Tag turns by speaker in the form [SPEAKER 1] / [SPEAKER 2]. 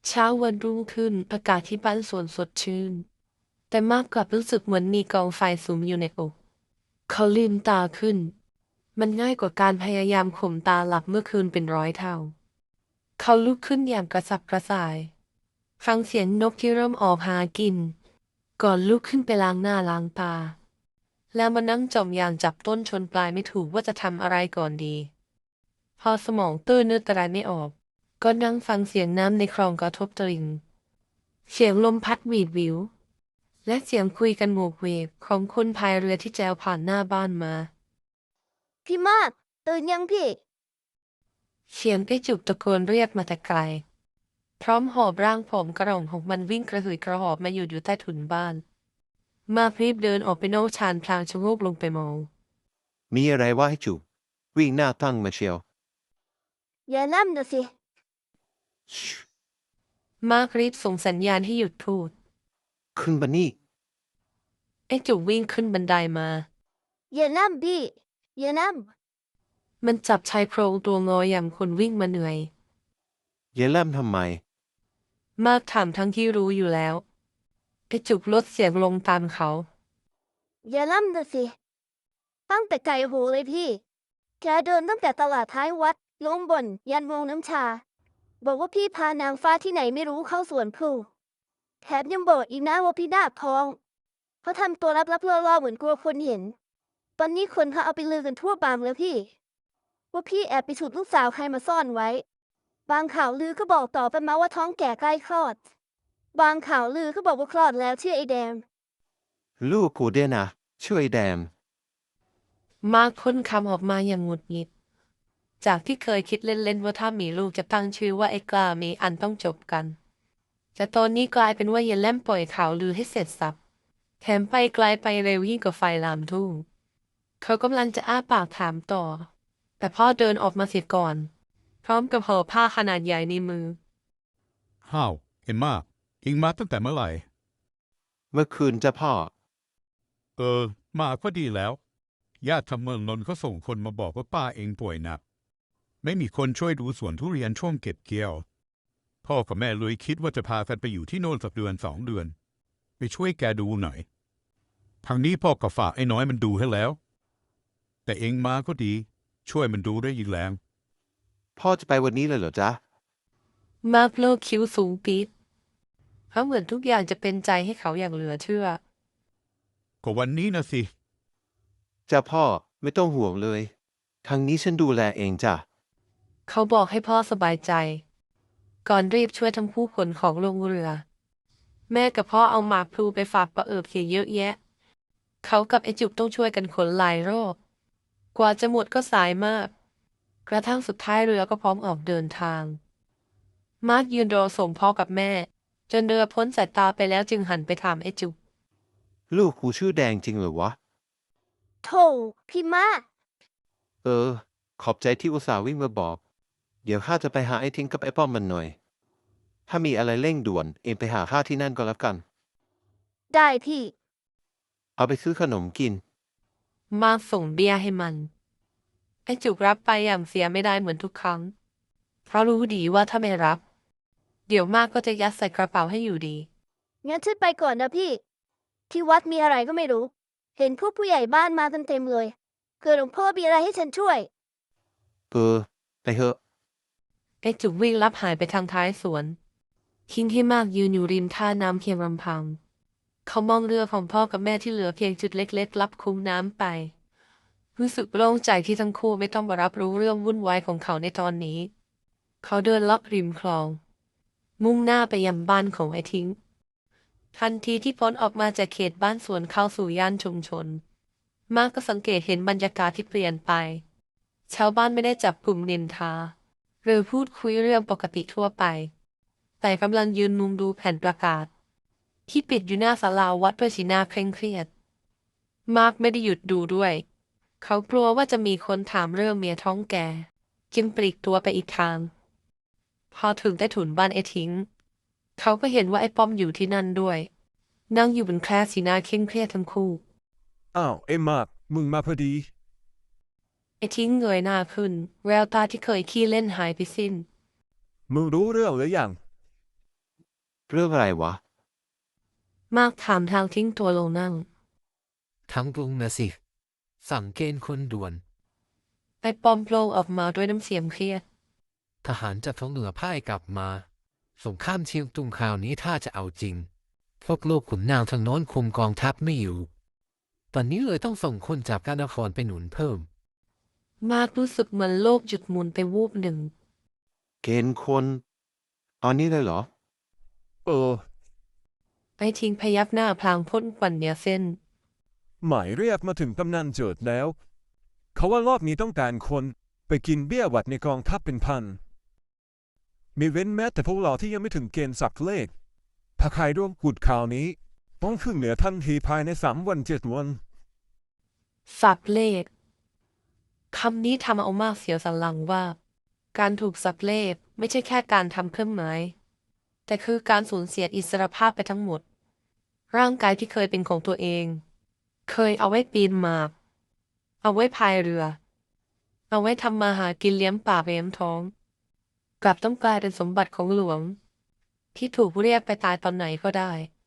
[SPEAKER 1] เช้าวันรุ่งขึ้นอากาศที่บ้านสวนสดชื่นแต่มากกลับรู้สึกเหมือนมีกองไฟสุมอยู่ในอกเขาลืมตาขึ้นมันง่ายกว่าการพยายามข่มตาหลับเมื่อคืนเป็นร้อยเท่าเขาลุกขึ้นอย่างกระสับกระส่ายฟังเสียงนกที่เริ่มออกหากินก่อนลุกขึ้นไปล้างหน้าล้างตาแล้วมานั่งจมอย่างจับต้นชนปลายไม่ถูกว่าจะทำอะไรก่อนดีพอสมองตื้อนึกอะไรไม่ออกก็นั่งฟังเสียงน้ำในคลองกระทบตลิ่งเสียงลมพัดหวีดหวิวและเสียงคุยกันโวกเวกของคนพายเรือที่แจวผ่านหน้าบ้านมา
[SPEAKER 2] พี่มากตื่นยังพี่
[SPEAKER 1] เสียงไอ้จุกตะโกนเรียกมาแต่ไกลพร้อมหอบร่างผมกระหล่ำของมันวิ่งกระหืดกระหอบมาอยู่ใต้ถุนบ้านมาพรีบเดินออกไปนอกชานพลางชะโงกลงไปมอง
[SPEAKER 3] มีอะไรวะให้จูบวิ่งหน้าตั้งมาเชียว
[SPEAKER 2] อย่าล่ำนะสิ
[SPEAKER 3] ชิ
[SPEAKER 1] มารีบส่งสัญญาณให้หยุดพูด
[SPEAKER 3] ขึ้นมานี่
[SPEAKER 1] ไอ้จุกวิ่งขึ้นบันไดมา
[SPEAKER 2] อย่าล่ำพี่อย่าล่
[SPEAKER 1] มันจับชายโครงตัวงออย่างคนวิ่งมาเหนื่อย
[SPEAKER 3] อย่าแล่มทำไม
[SPEAKER 1] มากถามทั้งที่รู้อยู่แล้วไอ้จุกลดเสียงลงตามเขา
[SPEAKER 2] อย่าล่ำนะสิตั้งแต่ไกลหูเลยพี่แกเดินตั้งแต่ตลาดท้ายวัดลงบนยันวงน้ำชาบอกว่าพี่พานางฟ้าที่ไหนไม่รู้เข้าสวนพลูแถมยังบอกอีกนะว่าพี่นาคทองเขาทำตัวลับๆล่อๆเหมือนกลัวคนเห็นตอนนี้คนเขาเอาไปลือกันทั่วบางแล้วพี่ว่าพี่แอบไปฉุดลูกสาวใครมาซ่อนไว้บางข่าวลือก็บอกต่อไปมาว่าท้องแก่ใกล้คลอดบางข่าวลือก็บอกว่าคลอดแล้วชื่อไอ้แดง
[SPEAKER 3] ลูกกูเดียนะช่วยแดม
[SPEAKER 1] มาร์คพ่นคำออกมาอย่างหงุดหงิดจากที่เคยคิดเล่นๆว่าถ้ามีลูกจะตั้งชื่อว่าไอ้กล้ามีอันต้องจบกันแต่ตอนนี้กลายเป็นว่าเยนแล่มปล่อยข่าวลือให้เสร็จสับแถมไปไกลไปเร็วยิ่งกว่าไฟลามทุ่งเขากำลังจะอ้าปากถามต่อแต่พ่อเดินออกมาเสียก่อนพร้อมกับห่อผ้าขนาดใหญ่ในมือ
[SPEAKER 4] ฮ้าวเอ็มมาเอ็งมาตั้งแต่เมื่อไหร่
[SPEAKER 3] เมื่อคืนจะพ่อ
[SPEAKER 4] มาก็ดีแล้วญาติทำเมืองนนท์เขาส่งคนมาบอกว่าป้าเองป่วยหนักไม่มีคนช่วยดูสวนทุเรียนช่วงเก็บเกี่ยวพ่อกับแม่เลยคิดว่าจะพากันไปอยู่ที่โน่นสักเดือน2 เดือนไปช่วยแกดูหน่อยทางนี้พ่อก็ฝากไอ้น้อยมันดูให้แล้วแต่เองมาก็ดีช่วยมันดูได้อีกแรง
[SPEAKER 3] พ่อจะไปวันนี้เลยเหรอจ๊ะ
[SPEAKER 1] มาร์คโลกคิ้วสูงปี๊ดเพราะเหมือนทุกอย่างจะเป็นใจให้เขาอย่างเหลือเชื่อ
[SPEAKER 4] ก็วันนี้นะสิ
[SPEAKER 3] จ้ะพ่อไม่ต้องห่วงเลยทางนี้ฉันดูแลเองจ้ะ
[SPEAKER 1] เขาบอกให้พ่อสบายใจก่อนรีบช่วยทั้งคู่ขนของลงเรือแม่กับพ่อเอาหมากพลูไปฝากป้าเอิบเขียเยอะแยะเขากับไอ้จุกต้องช่วยกันขนหลายรอบกว่าจะหมดก็สายมากกระทั่งสุดท้ายเรือก็พร้อมออกเดินทางมาร์คยืนรอส่งพ่อกับแม่จนเรือพ้นสายตาไปแล้วจึงหันไปถามไอ้จุก
[SPEAKER 3] ลูกกูชื่อแดงจริงเหรอวะ
[SPEAKER 2] โธ่พี่มาก
[SPEAKER 3] ขอบใจที่อุตส่าห์วิ่งมาบอกเดี๋ยวข้าจะไปหาไอ้ทิ้งกับไอ้ป้อมมันหน่อยถ้ามีอะไรเร่งด่วนเองไปหาข้าที่นั่นก็แล้วกัน
[SPEAKER 2] ได้พี่
[SPEAKER 3] เอาไปซื้อขนมกิน
[SPEAKER 1] มาร์คส่งเบียร์ให้มันไอ้จุกรับไปอย่างเสียไม่ได้เหมือนทุกครั้งเพราะรู้ดีว่าถ้าไม่รับเดี๋ยวมากก็จะยัดใส่กระเป๋าให้อยู่ดี
[SPEAKER 2] งั้นฉันไปก่อนนะพี่ ที่วัดมีอะไรก็ไม่รู้ เห็นพวกผู้ใหญ่บ้านมากันเต็มเลยเกิดหลวงพ่อมีอะไรให้ฉันช่วย
[SPEAKER 3] ไปเถอะ
[SPEAKER 1] ไอ้จุกวิ่งลับหายไปทางท้ายสวนทิ้งให้มากยืนอยู่ริมท่าน้ำเพียงลำพังเขามองเรือของพ่อกับแม่ที่เหลือเพียงจุดเล็กๆลับคุ้มน้ำไปรู้สึกโล่งใจที่ทั้งคู่ไม่ต้องมารับรู้เรื่องวุ่นวายของเขาในตอนนี้เขาเดินลับริมคลองมุ่งหน้าไปยังบ้านของไอ้ทิ้งทันทีที่พ้นออกมาจากเขตบ้านสวนเข้าสู่ย่านชุมชนมาร์กก็สังเกตเห็นบรรยากาศที่เปลี่ยนไปชาวบ้านไม่ได้จับกลุ่มนินทาหรือพูดคุยเรื่องปกติทั่วไปแต่กำลังยืนมุงดูแผ่นประกาศที่ปิดอยู่หน้าศาลาวัดด้วยสีหน้าเคร่งเครียดมาร์กไม่ได้หยุดดูด้วยเขากลัวว่าจะมีคนถามเรื่องเมียท้องแก่จึงปลีกตัวไปอีกทางพอถึงใต้ถุนบ้านไอ้ทิ้งเขาก็เห็นว่าไอ้ป้อมอยู่ที่นั่นด้วยนั่งอยู่บนแคร่สีหน้าเคร่งเครียดทั้งคู่
[SPEAKER 5] อ้าวเอ็มมากมึงมาพอดี
[SPEAKER 1] ไอ้ทิ้งเงยหน้าขึ้นแววตาที่เคยขี้เล่นหายไปสิ้น
[SPEAKER 5] มึงรู้เรื่องหรือยัง
[SPEAKER 3] เรื่องอะไรวะ
[SPEAKER 1] มากถามทางทิ้งตัวลงนั่ง
[SPEAKER 6] ทั้งกรุงนะสิ สั่งเกณฑ์คนด่วน
[SPEAKER 1] ไอ้ป้อมโผล่ออกมาด้วยน้ำเสียงเครียด
[SPEAKER 6] ทหารจากท้องเหนือพ่ายกลับมา สงครามเชียงตุงคราวนี้ถ้าจะเอาจริง พวกลูกขุนนางทางโน้นคุมกองทัพไม่อยู่ ตอนนี้เลยต้องส่งคนจากการนครไปหนุนเพิ่ม
[SPEAKER 1] มากรู้สึกเหมือนโลกหยุดหมุนไปวูบหนึ่ง
[SPEAKER 3] เกณฑ์คนเอานี้เลยเหรอ
[SPEAKER 1] ไอ้ทิ้งพยักหน้าพลางพ่นควันเหนียวเส้น
[SPEAKER 5] หมายเรียกมาถึงกำนันเจิดแล้ว เขาว่ารอบนี้ต้องการคนไปกินเบี้ยหวัดในกองทัพเป็นพัน มีเว้นแม้แต่พวกเราที่ยังไม่ถึงเกณฑ์สักเลข ถ้าใครร่วมกุดข่าวนี้ ต้องขึ้นเหนือทันทีภายใน3 วัน 7 วัน
[SPEAKER 1] สับเลขคำนี้ทำเอามากเสียวสันหลังว่า การถูกสับเลขไม่ใช่แค่การทำเครื่องหมาย แต่คือการสูญเสียอิสรภาพไปทั้งหมด ร่างกายที่เคยเป็นของตัวเอง เคยเอาไว้ปีนหมาก เอาไว้พายเรือ เอาไว้ทำมาหากินเลี้ยงปากเลี้ยงท้อง กลับต้องกลายเป็นสมบัติของหลวง ที่ถูกเรียกไปตายตอนไหนก็ได้